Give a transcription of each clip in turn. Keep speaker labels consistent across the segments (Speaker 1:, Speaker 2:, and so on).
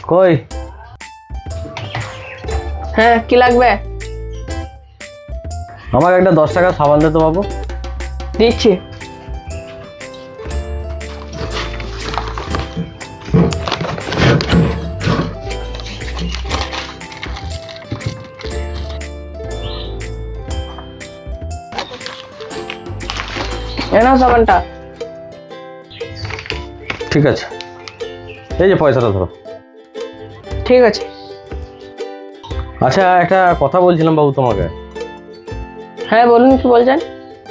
Speaker 1: কই?
Speaker 2: হ্যাঁ, কি লাগবে?
Speaker 1: আমাকে একটা 10 টাকা সাবান দে তো বাবু।
Speaker 2: দিচ্ছি। এনাও সাবানটা।
Speaker 1: ঠিক আছে, এই যে পয়সাটা ধরো।
Speaker 2: ঠিক আছে।
Speaker 1: আচ্ছা, একটা কথা বলছিলাম বাবু তোমাকে।
Speaker 2: হ্যাঁ বলুন, কি বলছেন?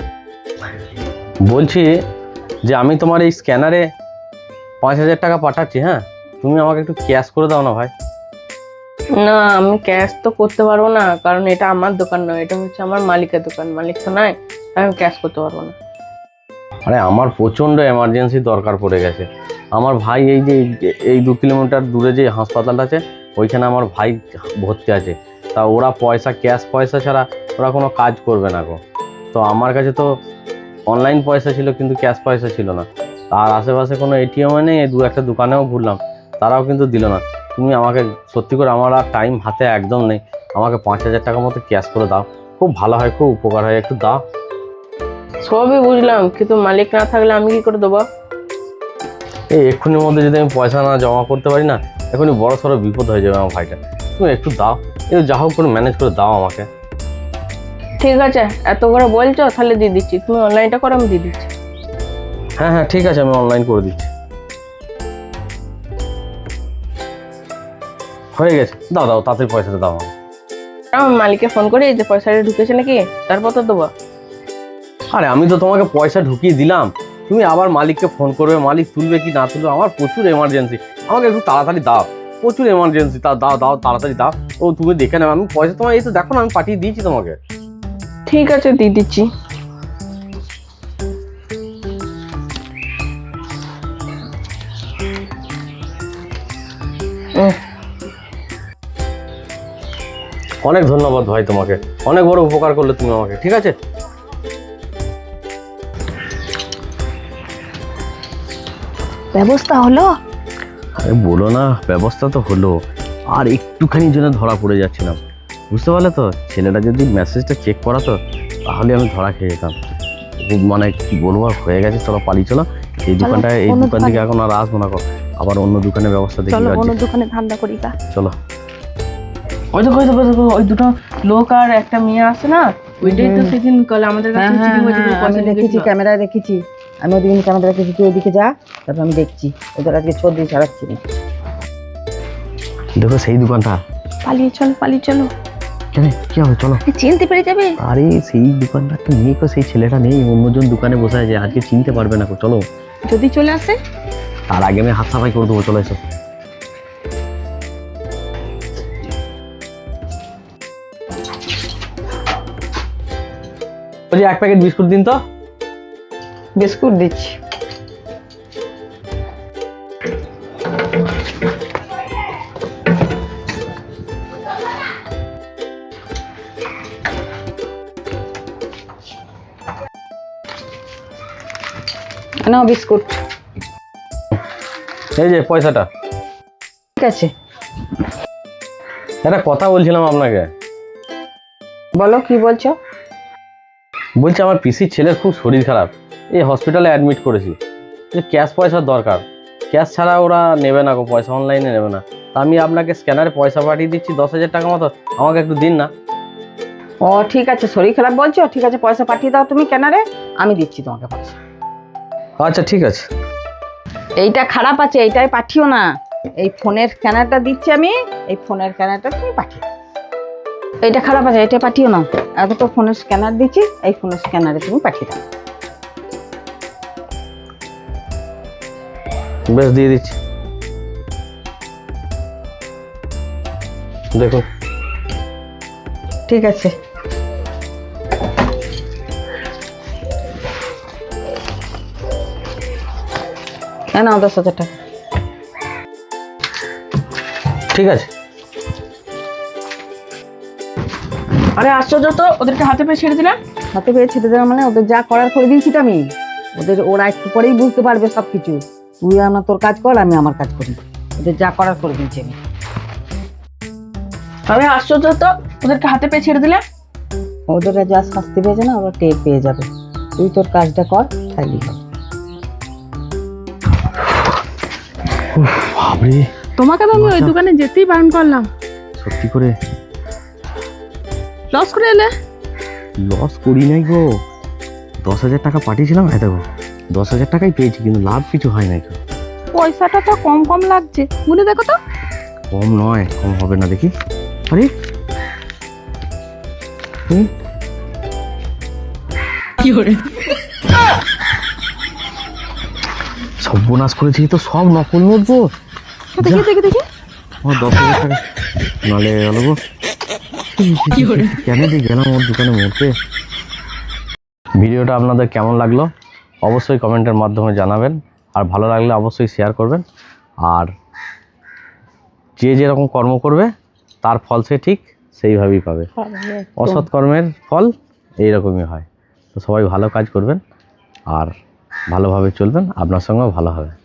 Speaker 1: বলছি যে আমি তোমার এই স্ক্যানারে 5,000 টাকা পাঠাচ্ছি। হ্যাঁ, তুমি আমাকে একটু ক্যাশ করে দাও না ভাই।
Speaker 2: না, আমি ক্যাশ তো করতে পারবো না, কারণ এটা আমার দোকান নয়, এটা হচ্ছে আমার মালিকের দোকান। মালিক তো নাই, তাই আমি ক্যাশ করতে পারবো না।
Speaker 1: আরে আমার প্রচণ্ড এমার্জেন্সি দরকার পড়ে গেছে। আমার ভাই এই 2 কিলোমিটার দূরে যে হাসপাতালটা আছে, ওইখানে আমার ভাই ভর্তি আছে। তা ওরা ক্যাশ পয়সা ছাড়া ওরা কোনো কাজ করবে না গো। তো আমার কাছে তো অনলাইন পয়সা ছিল, কিন্তু ক্যাশ পয়সা ছিল না। আর আশেপাশে কোনো এটিএমও নেই, 2-1টা দোকানেও ঘুরলাম, তারাও কিন্তু দিল না। তুমি আমাকে সত্যি করে, আমার আর টাইম হাতে একদম নেই, আমাকে 5,000 টাকা মতো ক্যাশ করে দাও, খুব ভালো হয়, খুব উপকার হয়, একটু দাও।
Speaker 2: সবই বুঝলাম, কিন্তু মালিক না থাকলে আমি কি করে দেবো?
Speaker 1: এই এক্ষুনির মধ্যে যদি আমি পয়সা না জমা করতে পারি না, এখনই বড় সড়ো বিপদ হয়ে যাবে আমার ভাইটা। তুমি একটু দাও, একটু যা হোক করে ম্যানেজ করে দাও আমাকে।
Speaker 2: ঠিক আছে, এত করে বলছো, তাহলে দিয়ে দিচ্ছি। তুমি অনলাইনটা করো, আমি দিয়ে দিচ্ছি।
Speaker 1: হ্যাঁ হ্যাঁ, ঠিক আছে, আমি অনলাইন করে দিচ্ছি। হয়ে গেছে, দাও দাও, তাড়াতাড়ি পয়সাটা দাও আমাকে।
Speaker 2: আমার মালিককে ফোন করি যে পয়সাটা ঢুকেছে নাকি, তারপর তো দেবো।
Speaker 1: আরে আমি তো তোমাকে পয়সা ঢুকিয়ে দিলাম, তুমি আবার মালিককে ফোন করবে, মালিক তুলবে কি না তুলবে। আমার প্রচুর এমার্জেন্সি, আমাকে একটু তাড়াতাড়ি দাও, প্রচুর এমার্জেন্সি। দাও দাও, তাড়াতাড়ি দাও। ও তুমি দেখে নেবে, আমি পয়সা তোমার এই তো দেখো না, আমি পাঠিয়ে দিয়েছি তোমাকে।
Speaker 2: ঠিক আছে, দিয়ে দিচ্ছি।
Speaker 1: অনেক ধন্যবাদ ভাই তোমাকে, অনেক বড় উপকার করলে তুমি আমাকে। ঠিক আছে,
Speaker 2: ব্যবস্থা হলো?
Speaker 1: আরে বলো না, ব্যবস্থা তো হলো, আর একটুখানির জন্য ধরা পড়ে যাচ্ছিলাম, বুঝতে পারলে তো। ছেলেটা যদি মেসেজটা চেক করাতো, তাহলে আমি ধরা খেয়ে যেতাম। খুব মানে কি বলবো, আর হয়ে গেছে। চলো পালিয়ে চলো, এই দোকানটা, এই দোকান থেকে এখন আর আসবো না। আবার অন্য দোকানের ব্যবস্থা দেখি।
Speaker 2: চলো অন্য দোকানে ধান্দা করি।
Speaker 1: চলো।
Speaker 2: ওই দেখো, ওই দুটো লোক আর একটা মেয়ে আছে না, ওইটাই তো সেদিন কল আমাদের কাছে চিঠি বলেছিল,
Speaker 3: আমি দেখেছি, ক্যামেরায় দেখেছি। আমি ওদিন ক্যামেরা দেখেছি, তুই ওদিকে যা, তারপর আমি দেখছি ওদের আজকে ছবি ছাড়াচ্ছি।
Speaker 1: দেখো সেই দোকানটা।
Speaker 2: পালিয়ে চলো।
Speaker 1: কেন, কি হবে, চলো।
Speaker 2: চিনতে পেরে যাবে।
Speaker 1: আরে সেই দোকানটা তো নেই, সেই ছেলেটা নেই, অন্যজন দোকানে বসে আছে, আজকে চিনতে পারবে না। চলো,
Speaker 2: যদি চলে আসে
Speaker 1: তার আগে আমি হাত সাফাই করে দেবো। চলো এসো। বলছি 1 প্যাকেট বিস্কুট দিন তো।
Speaker 3: বিস্কুট দিচ্ছি। নাও বিস্কুট।
Speaker 1: এই যে পয়সাটা।
Speaker 3: ঠিক আছে,
Speaker 1: একটা কথা বলছিলাম আপনাকে।
Speaker 3: বলো কি বলছো।
Speaker 1: বলছি আমার পিসির ছেলের খুব শরীর খারাপ, এই হসপিটালে অ্যাডমিট করেছি, যে ক্যাশ পয়সার দরকার। ক্যাশ ছাড়া ওরা নেবে না গো, পয়সা অনলাইনে নেবে না। তা আমি আপনাকে স্ক্যানারে পয়সা পাঠিয়ে দিচ্ছি 10,000 টাকা মতো, আমাকে একটু দিন না।
Speaker 3: ও ঠিক আছে, শরীর খারাপ বলছো, ঠিক আছে, পয়সা পাঠিয়ে দাও তুমি ক্যানারে, আমি দিচ্ছি তোমাকে পয়সা।
Speaker 1: আচ্ছা ঠিক আছে।
Speaker 3: এইটা খারাপ আছে, এইটাই পাঠিও না। এই ফোনের স্ক্যানারটা দিচ্ছি আমি, এই ফোনের স্ক্যানারটা তুমি পাঠিও। এইটা খারাপ আছে, এটা পাঠিও না। এত তো ফোনের স্ক্যানার দিচ্ছি, এই ফোনের স্ক্যানারে তুমি পাঠিয়ে দাও।
Speaker 1: বেশ, দিয়ে দিচ্ছি, দেখুন।
Speaker 3: ঠিক আছে, নাও 10,000 টাকা।
Speaker 1: ঠিক আছে।
Speaker 2: আরে আশ্চর্য তো, ওদেরকে হাতে পেয়ে ছেড়ে দিলাম।
Speaker 3: হাতে পেয়ে ছেড়ে দেওয়া মানে ওদের যা করার করে দিয়েছি তো আমি। ওরা একটু পরেই বুঝতে পারবে সবকিছু। তুই তোর কাজ কর, আমি আমার কাজ করি। ওদের যা করার করে দিয়েছি আমি।
Speaker 2: আমি আশ্চর্য তো, ওদেরকে হাতে পেয়ে ছেড়ে দিলে।
Speaker 3: ওদের যা শাস্তি পেয়েছে না, ওরা টের পেয়ে যাবে। তুই তোর কাজটা কর, তাইলেই হবে।
Speaker 1: বাবরে,
Speaker 2: তোমাকে তো আমি ওই দোকানে যেতেই বারণ করলাম,
Speaker 1: সত্যি করে
Speaker 2: লস করে এলে।
Speaker 1: লস করি নাই গো, 10,000 টাকা পাঠিয়েছিলাম, হ্যাঁ দেখো 10,000 টাকাই পেয়েছি, কিন্তু লাভ কিছু হয় নাই গো।
Speaker 2: পয়সাটা তো কম কম লাগছে, গুনে দেখো তো।
Speaker 1: কম নয়, কম হবে না দেখি। আরে সর্বনাশ করেছি তো, সব নকল নোট গো।
Speaker 2: দেখি দেখি দেখি।
Speaker 1: আমার 10,000 টাকা নালে গেল গো। কেন যে গেলাম ওর দোকানে মরতে। ভিডিওটা আপনাদের কেমন লাগলো অবশ্যই কমেন্টের মাধ্যমে জানাবেন, আর ভালো লাগলে অবশ্যই শেয়ার করবেন। আর যে যেরকম কর্ম করবে তার ফল সে ঠিক সেইভাবেই পাবে। অসৎ কর্মের ফল এইরকমই হয়। তো সবাই ভালো কাজ করবেন আর ভালোভাবে চলবেন, আপনার সঙ্গেও ভালো হবে।